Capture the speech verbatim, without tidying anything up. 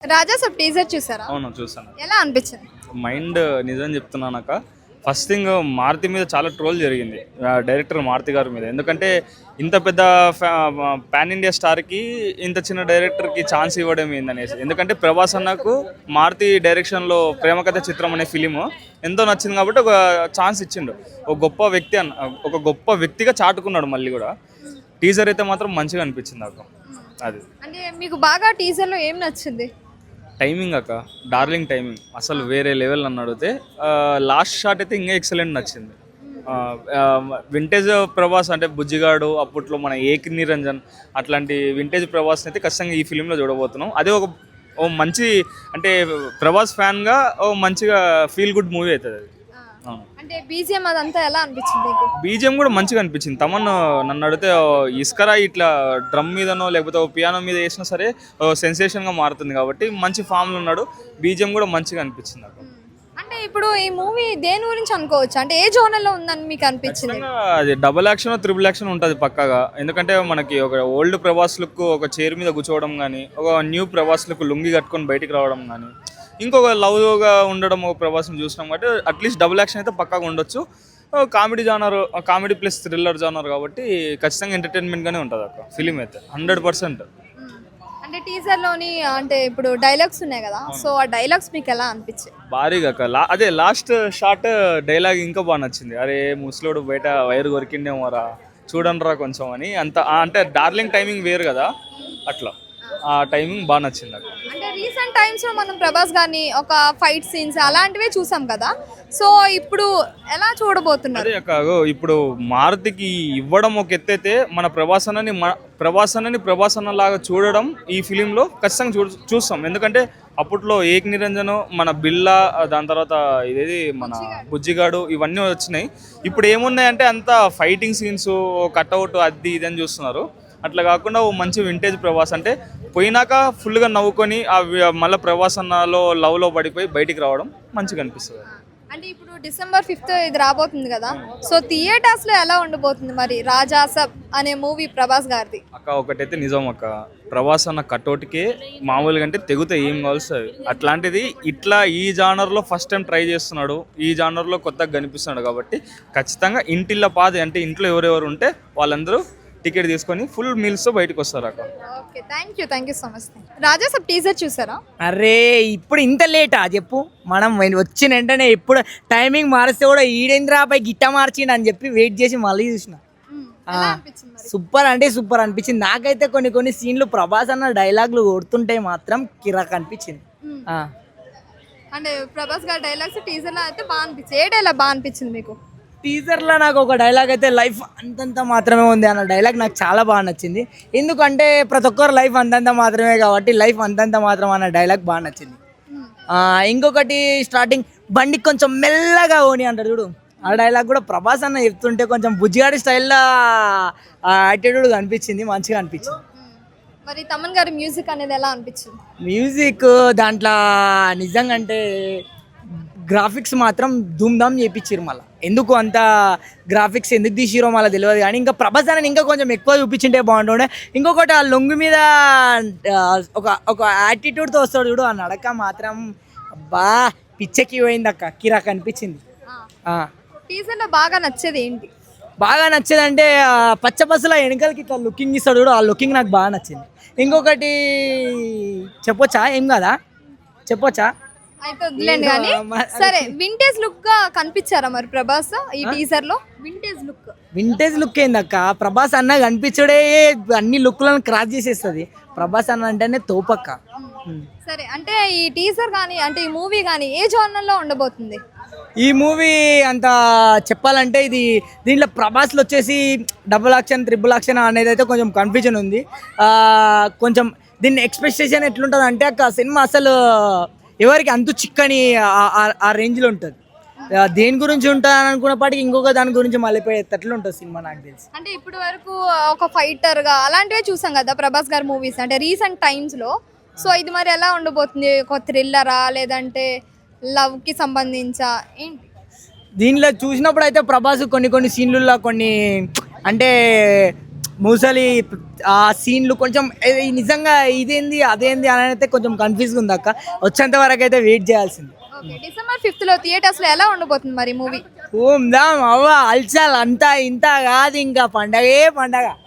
రాజా Saab teaser చూసారా? అవును చూసాను. ఎలా అనిపించింది? మైండ్ నిజం చెప్తున్నానక్క, ఫస్ట్ థింగ్ మారుతి మీద చాలా ట్రోల్ జరిగింది, డైరెక్టర్ మారుతి గారి మీద. ఎందుకంటే ఇంత పెద్ద పాన్ ఇండియా స్టార్కి ఇంత చిన్న డైరెక్టర్కి ఛాన్స్ ఇవ్వడం ఏందనేసి. ఎందుకంటే ప్రభాస్ అన్నకు మారుతి డైరెక్షన్లో ప్రేమకథ చిత్రం అనే ఫిలిము ఎంతో నచ్చింది కాబట్టి ఒక ఛాన్స్ ఇచ్చిండు. ఒక గొప్ప వ్యక్తి అన్న ఒక గొప్ప వ్యక్తిగా చాటుకున్నాడు. మళ్ళీ కూడా టీజర్ అయితే మాత్రం మంచిగా అనిపించింది నాకు. అది అంటే మీకు బాగా టీజర్లో ఏం నచ్చింది? టైమింగ్ అక్క, డార్లింగ్ టైమింగ్ అసలు వేరే లెవెల్ నన్ను అడిగితే. లాస్ట్ షాట్ అయితే ఇంకా ఎక్సలెంట్ నచ్చింది. వింటేజ్ ప్రభాస్ అంటే బుజ్జిగాడు, అప్పట్లో మన ఏక్ నిరంజన్, అట్లాంటి వింటేజ్ ప్రభాస్ని అయితే ఖచ్చితంగా ఈ ఫిలింలో చూడబోతున్నాం. అదే ఒక ఓ మంచి అంటే ప్రభాస్ ఫ్యాన్గా ఓ మంచిగా ఫీల్ గుడ్ మూవీ అవుతుంది అది. అంటే బీజిఎం అదంతా ఎలా అనిపించింది మీకు? బీజిఎం కూడా మంచిగా అనిపించింది. తమన్ నన్ను అడిగితే ఇస్కరా ఇట్లా డ్రమ్ మీదనో లేకపోతే పియానో మీద వేసినా సరే సెన్సేషన్గా మారుతుంది కాబట్టి మంచి ఫామ్లో ఉన్నాడు. బీజిఎం కూడా మంచిగా అనిపించింది నాకు. అంటే ఇప్పుడు ఈ మూవీ దేని గురించి అనుకోవచ్చు, అంటే ఏ జోనర్లో ఉందని మీకు అనిపించింది? అది డబుల్ యాక్షన్ త్రిబుల్ యాక్షన్ ఉంటుంది పక్కాగా. ఎందుకంటే మనకి ఒక ఓల్డ్ ప్రభాస్ లుక్ ఒక చైర్ మీద కూర్చోవడం కానీ, ఒక న్యూ ప్రభాస్ లుక్ లుంగి కట్టుకొని బయటికి రావడం కానీ, ఇంకొక లవ్గా ఉండడం ఒక ప్రభాస్ని చూసినాం కాబట్టి అట్లీస్ట్ డబుల్ యాక్షన్ అయితే పక్కాగా ఉండొచ్చు. Comedy genre, comedy plus thriller genre కాబట్టి ఖచ్చితంగా ఎంటర్టైన్మెంట్గానే ఉంటుంది అక్క ఫిలిం అయితే హండ్రెడ్ పర్సెంట్. అంటే టీజర్లోని అంటే ఇప్పుడు డైలాగ్స్ ఉన్నాయి కదా, సో ఆ డైలాగ్స్ మీకు ఎలా అనిపించాయి? భారీగా అక్క. లా అదే లాస్ట్ షాట్ డైలాగ్ ఇంకా బాగా నచ్చింది. అరే ముసలోడు బయట వైరు కొరికిండేమోరా చూడండి రా కొంచెం అని. అంత అంటే డార్లింగ్ టైమింగ్ వేరు కదా, అట్లా ఆ టైమింగ్ బాగా నచ్చింది నాకు. అంటే రీసెంట్ టైమ్స్లో మనం ప్రభాస్ గారిని ఒక ఫైట్ సీన్స్ అలాంటివే చూసాం కదా, సో ఇప్పుడు ఎలా చూడబోతున్నారు? అదే అక్క, ఇప్పుడు మారుతికి ఇవ్వడం ఒక ఎత్తైతే మన ప్రభాసనని ప్రభాసనని ప్రభాసన లాగా చూడడం ఈ ఫిలింలో ఖచ్చితంగా చూ చూస్తాం ఎందుకంటే అప్పట్లో ఏక్ నిరంజన్, మన బిల్లా, దాని తర్వాత ఇదేది మన బుజ్జిగాడు, ఇవన్నీ వచ్చినాయి. ఇప్పుడు ఏమున్నాయంటే అంతా ఫైటింగ్ సీన్స్, కట్అవుట్, అది ఇది అని చూస్తున్నారు. అట్లా కాకుండా ఓ మంచి వింటేజ్ ప్రభాస్ అంటే పోయినాక ఫుల్గా నవ్వుకొని మళ్ళీ ప్రభాస్ అన్నలో లవ్లో పడిపోయి బయటికి రావడం మంచిగా అనిపిస్తుంది. అంటే ఇప్పుడు డిసెంబర్ ఫిఫ్త్ ఇది రాబోతుంది కదా, సో థియేటర్స్లో ఎలా ఉండబోతుంది మరి రాజా సాబ్ అనే మూవీ ప్రభాస్ గారిది? అక్క ఒకటైతే నిజం అక్క, ప్రభాస్ అన్న కట్అవుట్కే మామూలుగా అంటే తెగుతే ఏం కావాల్సి అట్లాంటిది ఇట్లా ఈ జానర్లో ఫస్ట్ టైం ట్రై చేస్తున్నాడు, ఈ జానర్లో కొత్తగా కనిపిస్తున్నాడు కాబట్టి ఖచ్చితంగా ఇంటిల్ల పాది అంటే ఇంట్లో ఎవరెవరు ఉంటే వాళ్ళందరూ టికెట్ తీసుకొని ఫుల్ మీల్స్ బయటకు వస్తారు అక్క. Okay, thank you thank you so much. Raja Saab teaser చూసారా? అరే ఇప్పుడు ఇంత లేటా చెప్పు? మనం వచ్చిన వెంటనే ఎప్పుడు టైమింగ్ మారిస్తే కూడా ఈడేంద్రాపై గిట్ట మార్చిండు అని చెప్పి వెయిట్ చేసి మళ్ళీ చూసిన. సూపర్ అంటే సూపర్ అనిపించింది. నాకైతే కొన్ని కొన్ని సీన్లు ప్రభాస్ అన్న డైలాగులు కొడుతుంటే మాత్రం కిరాక్ అనిపించింది. అంటే ప్రభాస్ గారి డైలాగ్స్ టీజర్లో అయితే బాగా అనిపించింది. ఏ డైలాగ్ బాగా అనిపించింది మీకు? టీజర్లో నాకు ఒక డైలాగ్ అయితే లైఫ్ అంతంత మాత్రమే ఉంది అన్న డైలాగ్ నాకు చాలా బాగా నచ్చింది. ఎందుకంటే ప్రతి ఒక్కరు లైఫ్ అంతంత మాత్రమే కాబట్టి లైఫ్ అంతంత మాత్రం అన్న డైలాగ్ బాగా నచ్చింది. ఇంకొకటి స్టార్టింగ్ బండి కొంచెం మెల్లగా ఓని అంటారు చూడు, ఆ డైలాగ్ కూడా ప్రభాస్ అన్న చెప్తుంటే కొంచెం బుజ్జిగాడి స్టైల్లో యాటిట్యూడ్ అనిపించింది, మంచిగా అనిపించింది. మరి తమన్ గారి మ్యూజిక్ అనేది ఎలా అనిపించింది? మ్యూజిక్ దాంట్లో నిజంగా అంటే గ్రాఫిక్స్ మాత్రం ధూమ్ ధామ్ చేయించారు. మళ్ళీ ఎందుకు అంత గ్రాఫిక్స్ ఎందుకు తీసిరో మళ్ళీ తెలియదు, కానీ ఇంకా ప్రభాస్ అని ఇంకా కొంచెం ఎక్కువ చూపించింటే బాగుంటుండే. ఇంకొకటి ఆ లొంగు మీద ఒక ఒక యాటిట్యూడ్తో వస్తాడు చూడు, ఆ నడక మాత్రం అబ్బా పిచ్చెక్కి పోయింది అక్క, కిరాక్ అనిపించింది. టీజర్లో బాగా నచ్చేది ఏంటి? బాగా నచ్చేదంటే పచ్చ బస్సులో వెనకాలకి ఇట్లా లుకింగ్ ఇస్తాడు చూడు, ఆ లుకింగ్ నాకు బాగా నచ్చింది. ఇంకొకటి చెప్పొచ్చా? ఏం కాదా చెప్పొచ్చా? అయితే వదిలేండి కానీ, సరే వింటేజ్ లుక్ గా కనిపించారా మరి ప్రభాస్ ఈ టీజర్ లో? వింటేజ్ లుక్ వింటేజ్ లుక్ ఏందక్క, ప్రభాస్ అన్న కనిపించడే అన్ని లుక్లను క్రాస్ చేసేస్తుంది. ప్రభాస్ అన్న అంటేనే తోపక్క. సరే, అంటే ఈ టీజర్ కానీ అంటే ఈ మూవీ కానీ ఏ జోనర్ లో ఉండబోతుంది? ఈ మూవీ అంత చెప్పాలంటే ఇది దీంట్లో ప్రభాస్లో వచ్చేసి డబుల్ యాక్షన్ త్రిబుల్ యాక్షన్ అనేది అయితే కొంచెం కన్ఫ్యూజన్ ఉంది. కొంచెం దీన్ని ఎక్స్పెక్టేషన్ ఎట్లుంటుంది అంటే అక్క, సినిమా అసలు ఎవరికి అంతు చిక్కని ఆ రేంజ్లో ఉంటుంది. దేని గురించి ఉంటాను అనుకున్నప్పటికీ ఇంకొక దాని గురించి మళ్ళీపోయేటట్లు ఉంటుంది సినిమా నాకు తెలిసి. అంటే ఇప్పటి వరకు ఒక ఫైటర్ గా అలాంటివే చూసాం కదా ప్రభాస్ గారి మూవీస్ అంటే రీసెంట్ టైమ్స్ లో. సో ఇది మరి ఎలా ఉండబోతుంది? ఒక థ్రిల్లరా లేదంటే లవ్ కి సంబంధించా ఏంటి? దీనిలో చూసినప్పుడు అయితే ప్రభాస్ కొన్ని కొన్ని సీన్లలో కొన్ని అంటే ముసలి ఆ సీన్లు కొంచెం ఏ- నిజంగా ఇదేంది అదేంది అని అయితే కొంచెం కన్ఫ్యూజ్గా ఉంది అక్క. వచ్చేంత వరకు అయితే వెయిట్ చేయాల్సింది. ఓకే డిసెంబర్ ఫిఫ్త్ లో థియేటర్స్ లో ఎలా ఉండబోతుంది మరి మూవీ? ఓం దామ్ అవ్వ అల్చాల్ అంతా ఇంత కాదు, ఇంకా పండగే పండగ.